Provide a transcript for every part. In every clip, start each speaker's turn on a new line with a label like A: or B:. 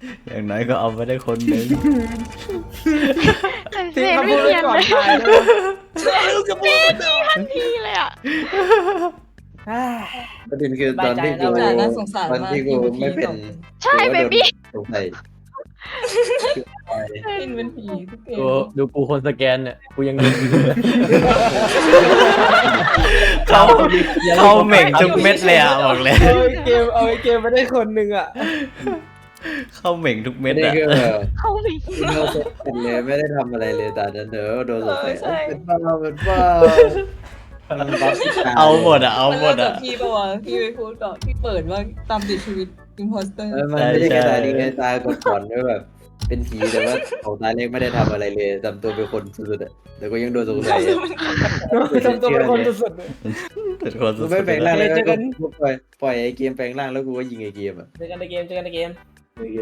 A: อย่างน้อยก็เอาไปได้คนหนึ่ง
B: เซนไม่เนียนเลย ทันทีเลยอ่ะ
C: ประเด็นคือตอนที่กู
D: น่าสงสาร
C: ตอน
D: มาก
C: ที่กูไม่เป็น
B: ใช่เบบี้
C: สงสัย
D: กินเป็นผีทุกเกม
E: ดูกูคนสแกนเนี่ยกูยังดู
A: เขาเหม่งทุกเม็ดเลยอ่ะบอกเลย
E: เอาไอ้เกมมาได้คนหนึ่งอ่ะ
A: เข้าเหม่งทุกเม็
C: ไม่
A: ด
C: ได้
A: อ่ะ
C: คือแบบ
B: เขาไม่
C: โดนสงสัยเลยไม่ได้ทำอะไรเลยแต่นั้นเดี๋ยวโดนสงสัยเป็นบ้าเป็นบ้ามันบัฟที่ต
A: เอาหมดอ่ะเอาหมด
D: อ่ะ
A: อ่ะ
D: พี่ปะวะพี่ไปพูดก่อนพี่เปิดว่าตามติดชีวิตอิมพอสเตอร์
C: มันไม่ได้แค่ตายดีแค่ตายก่อนด้วยแบบ เป็นผีแต่ว่าของตายเล็กไม่ได้ทำอะไรเลยทำตัวเป็นคนสุดๆอ่ะแต่ก็ยังโดนสงสัย
E: ทำตัวเป็นคนสุด
A: เป็นคนสุ
C: กู
A: ด
C: ไม่แปลงร่างเลย
E: เจอกั
C: ก็
E: น
C: ปล่อยไอ้เกมแปลงร่างแล้วกูก็ยิงไอ้เกมอ่ะ
E: ๆเจอกันในเกมเจอกันในเกมโอเค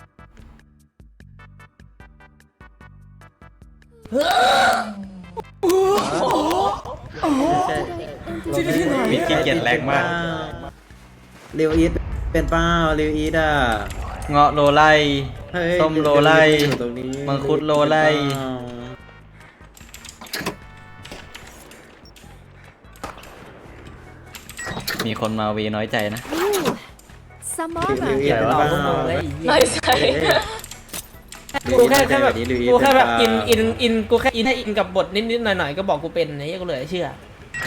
A: มีขี้เกียจแรงมาก
C: เรียวอีทเป็นเป้าเรียวอีทอ่ะ
A: เงาะโลไล
C: เฮ้ย
A: ส้มโลไล่
C: อยู่ตรงนี้
A: มังคุดโลไล่ มีคนมาวีน้อยใจนะ
C: เรียวอีทเป็นเป้า
D: ไม่ใช่
E: กูแค่แบบกูแค่แบบอินกูแค่อินให้อินกับบทนิดๆหน่อยๆก็บอกกูเป็นไอ้เหี้ยกูเลยเชื่อ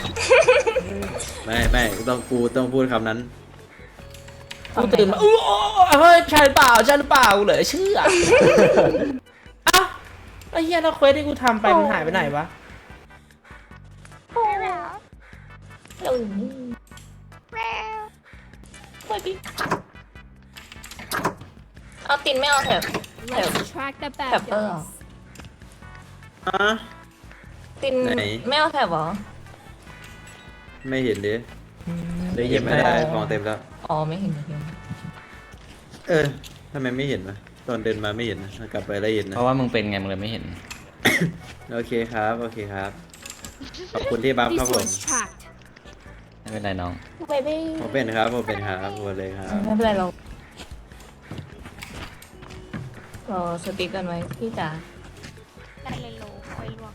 C: ไม่กูต้องพูดคำนั้น
E: กูตื่นมาอู้เฮ้ยใช่หรือเปล่าใช่หรือเปล่ากูเลยเชื่อเอ้าไอ้เหี้ยแล้วเควสที่กูทำไปมันหายไปไหนวะ
D: เอาตินไม่เอาแถบ
F: Let's track the bad
D: Pepper.
F: guys.
C: อ่ะ
D: ติน
C: ไหน
D: ไม่เอาแถบเหรอ
C: ไม่เห็นดิ
E: เลย
C: เก็บไม่ได้ของเต็มแล้ว
D: อ๋อไม่เห็นไม่เห็น
C: เออทำไมไม่เห็นวะตอนเดินมาไม่เห็นนะกลับไปแล้วเห็น
A: เพ
C: นะ
A: ราะว่ามึงเป็นไงมึงเลยไม่เห็น
C: โอเคครับโอเคครับ ขอบคุณที่บัฟครับ
F: This
C: ผม
F: one's tracked.
A: ไม่เป็นไรน้อง
D: เบบี้
C: ผมเป็นครับผมเป็นครับหมดเลยครับ
D: ไม่เป็นไรเรารอสติ๊กกันไว้พี่จ๋า
B: ได้เลยโลคอยล่วง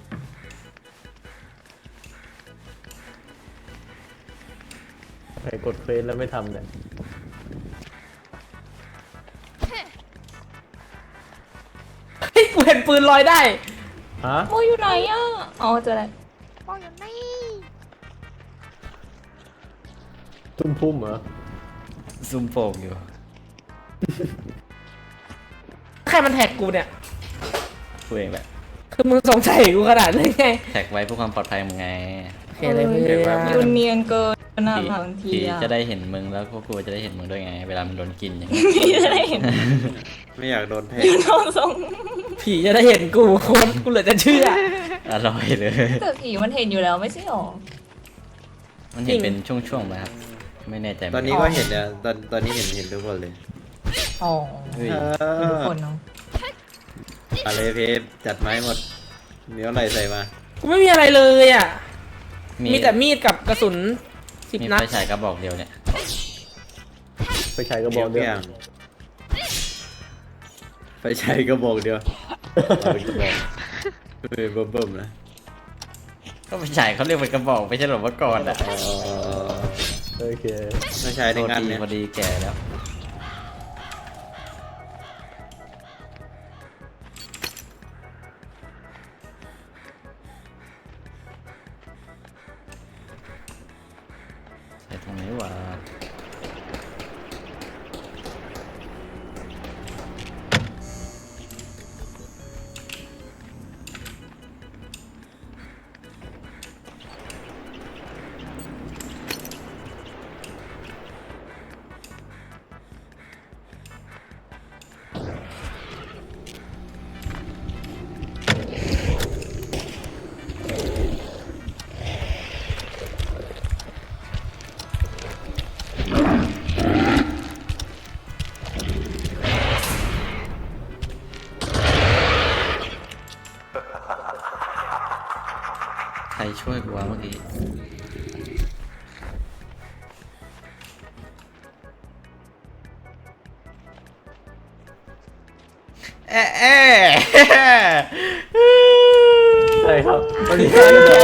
E: ใครกดเควสแล้วไม่ทำเนี่ย เฮ้ยกูเห็นปืนลอยได้ฮะ
D: โมอยู่ไหนอ่ะอ๋อเจอแล้ว
B: มองอยู่นี่
E: ทุ่มพุ่มเหรอ
A: ซุ่มโป่งอยู่
E: ใครมันแท็กกูเนี่ย
A: กูเองแหละ
E: คือมึงสงสัยกูขนาดนี้ไง
A: แท็กไว้เพื่อความปลอดภัยมึงไง
E: โอเคเลยเพื่อน
D: ยูเนียนเกินนะ
A: ผี
D: บางที
A: ผี
D: อ่ะ
A: จะได้เห็นมึงแล้วพวกกูจะได้เห็นมึงด้วยไง เวลามันโดนกินอย่างเงี้ย
D: พี่จะได้เห็น
C: ไม่อยากโดนแทง
D: ยูโนทรง
E: ผีจะได้เห็นกูคนกูเหลือจะเชื่อ
A: อร่อยเลย
D: แต่ผีมันเห็นอยู่แล้วไม่ใช่หรอ
A: มันเห็นเป็นช่วงๆไหมครับ ไม่แน่ใจ
C: ตอนนี้ก็เห็นเนี่ยตอนนี้เห็นทุกคนเลย
D: อ๋อ
A: เฮ้ย
D: ทุกคนเนาะ
C: อะไรเพฟจัดไม้หมดเนื้ออะไรใส่มา
E: กูไม่มีอะไรเลยอ่ะ มีแต่มีดกับกระสุน10
A: มี
E: นัด
A: ไฟฉายกระบอกเดียวเนี่ย
E: ไปใช้กระบอกเดียว
C: ไฟฉายกระบอกเดียวเอาเป็นกระบอกเบิ่มๆนะ
A: ก็ไฟฉายเขาเรียกเป็นกระบอกไม่ใช่หรอเมื่อก่อนอ่ะ
E: โอเค
C: ไม่ใช่
A: โท
C: ใน
A: ษ
C: งาน
A: ที
C: เนี่ย
A: พอดีแก่แล้วใส่ตรงไหนวะ ใครช่วยกูวะเมื่อกี้
F: ใช่ครับ
C: วันนี้
B: เกมเพล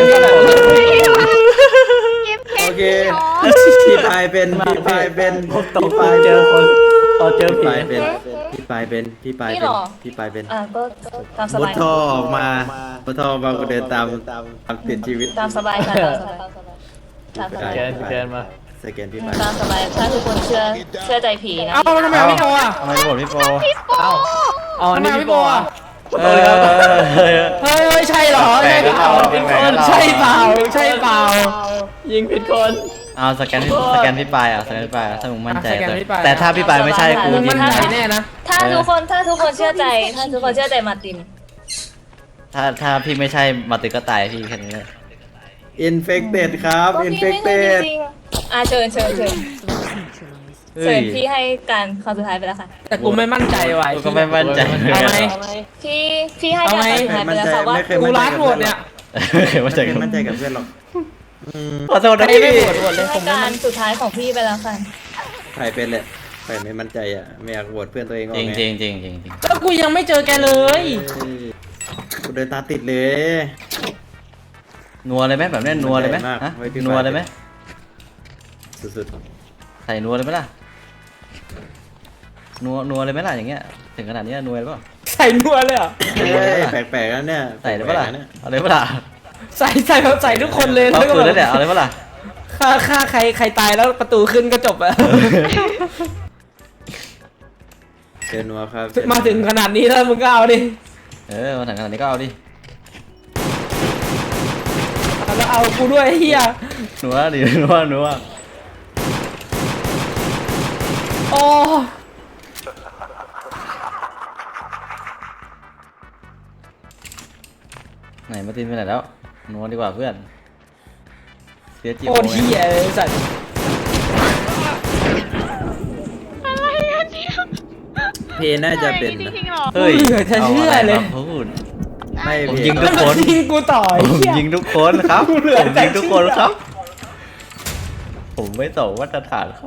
C: โอเค
B: ย์เหรอ
C: พี่ปายเป็นพี่ปายเป็น
F: ผมตก
C: พี่ปาย
F: เจอคนตอนเจอ
C: พี่
F: ผี
C: ปายเป็นพี่ปายเป็นพี่ปาย
D: นี่
C: เป็
D: เห
C: น
D: รอ
C: พี่ปายเป็น
D: ก็ตามส
C: มุด
D: บาย
C: ท่อออกมามุดท่อมาก็เดินตามติดชีวิต
D: ตามสบายค่ะตามสบาย
F: สแกนมา
C: สแกนพี่ปาย
D: ตามสบายถ้าทุกคนเชื่อใจผีนะ
E: เอ้าทำไมเอาพี่โปอ่ะ
A: ทำไมโหวตพี่โป
F: เอ้าอ๋อนี่พี่โบอ่ะ
A: เออ
E: เฮ้ยใช่เหรอใช่เปล่า
A: แปลกๆนะ
E: ใช่เปล่าใช่เปล่า
F: ยิงผิดคน
A: เอาสแกนพี่ปายอ่ะสแกนพี่ปายอ่ะถ้ามึงมั่นใจ
E: สแกนพี่ปาย
A: แต่ถ้าพี่ปายไม่ใช่กู
E: มึง
A: ยิ
E: มั่
A: ง
E: นใจ
A: นะ
E: แน่นะ
D: ถ้าทุกคนเชื่อใจมาร์ติน
A: ถ้าพี่ไม่ใช่มาติก็ตายพี่แค่นี้เลย
C: อินเฟคเต็ดครับ
D: ก็
C: อิน
D: พี่
C: เฟค
D: ไม่
C: เต็
D: รู้
C: ด
D: จริงๆเชิญ
A: เฮ้
D: เชิ
A: ย
D: ญพี่ให้การคำสุดท้ายไปแล้วค่ะ
E: แต่กูไม่มั่นใจว่ะ
A: กูก็ไม่มั่นใจ
E: เอาไหม
D: พี่ให้การคำสุดท้ายไปแล้วค่ะว่า
E: กูร้านโหวตเนี่ย
A: เคยมั่นใจ
C: ไม่
A: กัน
C: มั่นใจกับเพื่อนหรอก
A: ขอโทษนะ
E: ไม่
A: พี่
E: ไม่โหวตโหวตเลย
D: ให้
E: ผมไม่
D: กา
E: มั่
D: ร
E: น
D: สุดท้ายของพี่ไปแล้วค่ะ
C: ใครเป็นแหละใครไม่มั่นใจอ่ะไม่อยากโหวตเพื่อนตัวเองออก
A: จริง
C: ไง
A: จริงจริงจริงจริง
E: แล้วกูยังไม่เจอแกเลย
C: กูเดินตาติดเลย
A: นัวเลยไหมแบบนี้นัวเลยไหม
C: มั่นใจมาก
A: ฮะ
C: ไว้พี่
A: นัวเลยไหม
C: สุด
A: ใส่นัวเลยไหมล่ะนัวเลยไหมล่ะอย่างเงี้ยถึงขนาดนี้นัวเลยเปล่า
E: ใส่นัวเลยเหรอ
C: ๆเฮ้ยแปลกๆแล้วเนี่ย
A: ใส่เลยเปล่าล่ะ
C: แปกๆเนี่ย
A: เอาเลยเปล่าล่ะ
E: ใส่แบบใส่ทุกคนเลย
A: เอาปืนแล้วเนี่ยเอาเลยเปล่าล่ะ
E: ฆ่าใครตายแล้วประตูขึ้นก็จบอะ
C: เชิญนัวครับ
E: มาถึงขนาดนี้แล้วมึงก็เอาดิ
A: มาถึงขนาดนี้ก็เอาดิ
E: แล้วเอากูด้วยไอ้เฮีย
A: นัวดินัว
E: โอ้
A: ไหนมาตินไปไหนแล้วนัวดีกว่าเพื่อนเสียจี
E: โคตรเฮียเลยสัตว์
B: อะไรอันเนี้ย
C: เพน่าจะเป็น
B: จ
C: นะ
B: ริงๆเหรอ
A: เฮ้ย
E: เหลือจะเชื่อเลย
A: าะไรมาพูด
C: ไม่
A: ผม
C: เพ
A: ยิง
E: แล้วมันยิงกูต่อไอ้
A: ผม
E: เฮีย
A: ยิงทุกคนครับ
E: กูเหลือ
A: ผม
E: แต่
A: ยิงทุกคน
E: เชื่อ
A: ครับ ผมไม่ต่อมาตรฐานครับ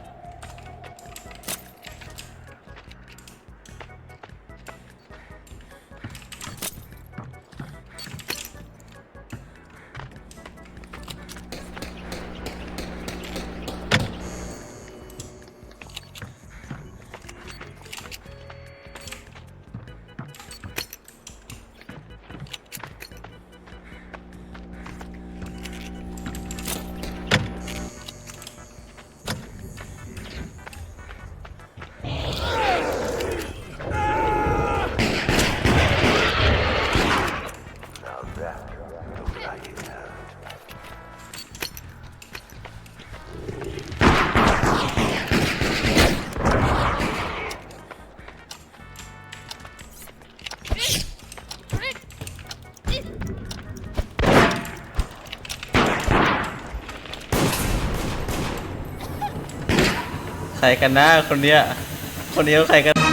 A: ใครกันนะคนเนี้ยเขาใครกัน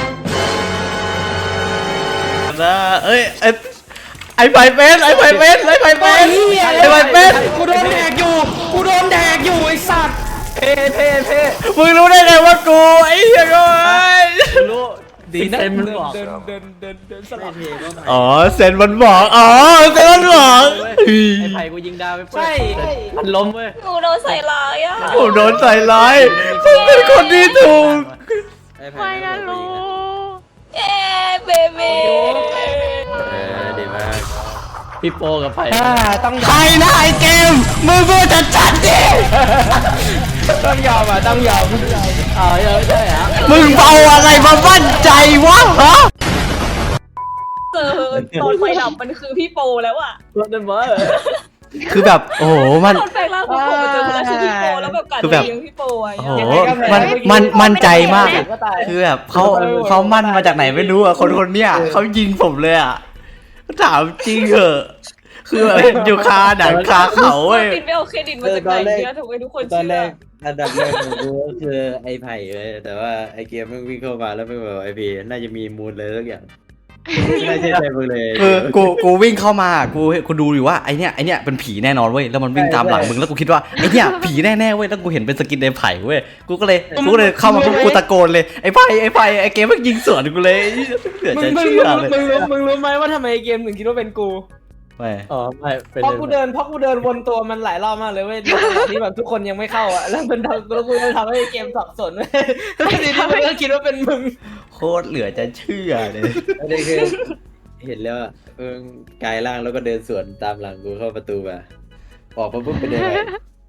A: นะเอ้ยไอ้ไผ่เป็นไอ้ไผ่เป็นไอ้ไผ่เป็น
E: เฮีย
A: ไอ้ไผ่เป็น
E: กูโดนแดกอยู่ไอ้สัตว์เพ่
A: มึงรู้ได้ไงว่ากูไอ้เหี้ยก็ไอ้
F: รู้ดีเซนมันบอก
E: เดินสลับ
C: ไม่เพก็
A: อ๋อเซนมันบอกเซนมันบอก
F: ไอ้ไผ่กูยิงดาวไป
E: ใช่
F: มันล้มเว้ย
D: หนูโดนใส่ร้ายอ่ะ
A: ผมโดนใส่ร้ายผมเป็นคนที่ถูก
B: ไม่นะรู้
D: เย้เบบี
C: ดีมาก
F: พี่โปกับไผ่
E: ต้องย
A: ใคร
E: อม
A: นะไอ้เกมมึงพูดจัดๆดิ
E: ต้องยอมต้องยอม
F: อ๋อใช่เหรอ
A: มึงเอาอะไรมามั่นใจวะฮะ
D: เจอตอนไฟดับมันคือพี่โปแล้วอ่ะ
F: รถเดนเบอร์
A: คือแบบโอ้โหมัน
D: ตอนแปลงร่างของผมมาเจอคนนั้นคือพี่โปแล้วแบบกัด
A: คือแบบ
D: เลี้ยงพี่โปอ่ะ
A: โอ้โหมันมั่นใจมาก คือแบบเขามั่นมาจากไหนไม่รู้อ่ะคนเนี้ยเขายิงผมเลยอ่ะถามจริงเหอะคือแบบอยู่คาหนังคาเขาเว้ย
D: ตินไม่เอาเครดิตมาจากไหนเนี่ยทำไมทุกคน
C: ตอน
D: เชื่
C: แร
D: อก
C: อันดับแรกของกูก็คือไอ้ไผ่เลยแต่ว่าไอ้เกียร์มึงวิ่งเข้ามาแล้วมึงบอกไอ้พีน่าจะมีมูลเลยสักอย่างไม่ใช่ใจมึงเลย
A: คือกูวิ่งเข้ามากูดูอยู่ว่าไอเนี้ยเป็นผีแน่นอนเว้ยแล้วมันวิ่งตามหลังมึงแล้วกูคิดว่าไอเนี้ยผีแน่ๆเว้ยแล้วกูเห็นเป็นสกินในไผ่เว้ยกูก็เลยเข้ามาปุ๊บกูตะโกนเลยไอไผ่ไอเกมมันยิงสวนกูเลยเหลือ
E: มึ
A: จะ
E: ง
A: เชื่อเลย
E: รู้ไหมว่าทำไมเกมถึงคิดว่าเป็นกู
A: ไม่
F: อ๋อไม่เป็น
E: เพราะกูเดินวนตัวมันหลายรอบมากเลยเว้ยในจังหวะที่แบบทุกคนยังไม่เข้าอ่ะแล้วกูทำให้เกมสับสนเว้ยแล้วทีนี้มันก็คิดว่าเป็นมึง
A: โคตรเหลือจะเชื่อเลย
C: อันนี้คือเห็นแล้วกายร่างแล้วก็เดินสวนตามหลังกูเข้าประตูมาออกมาปุ๊บเป็นยังไง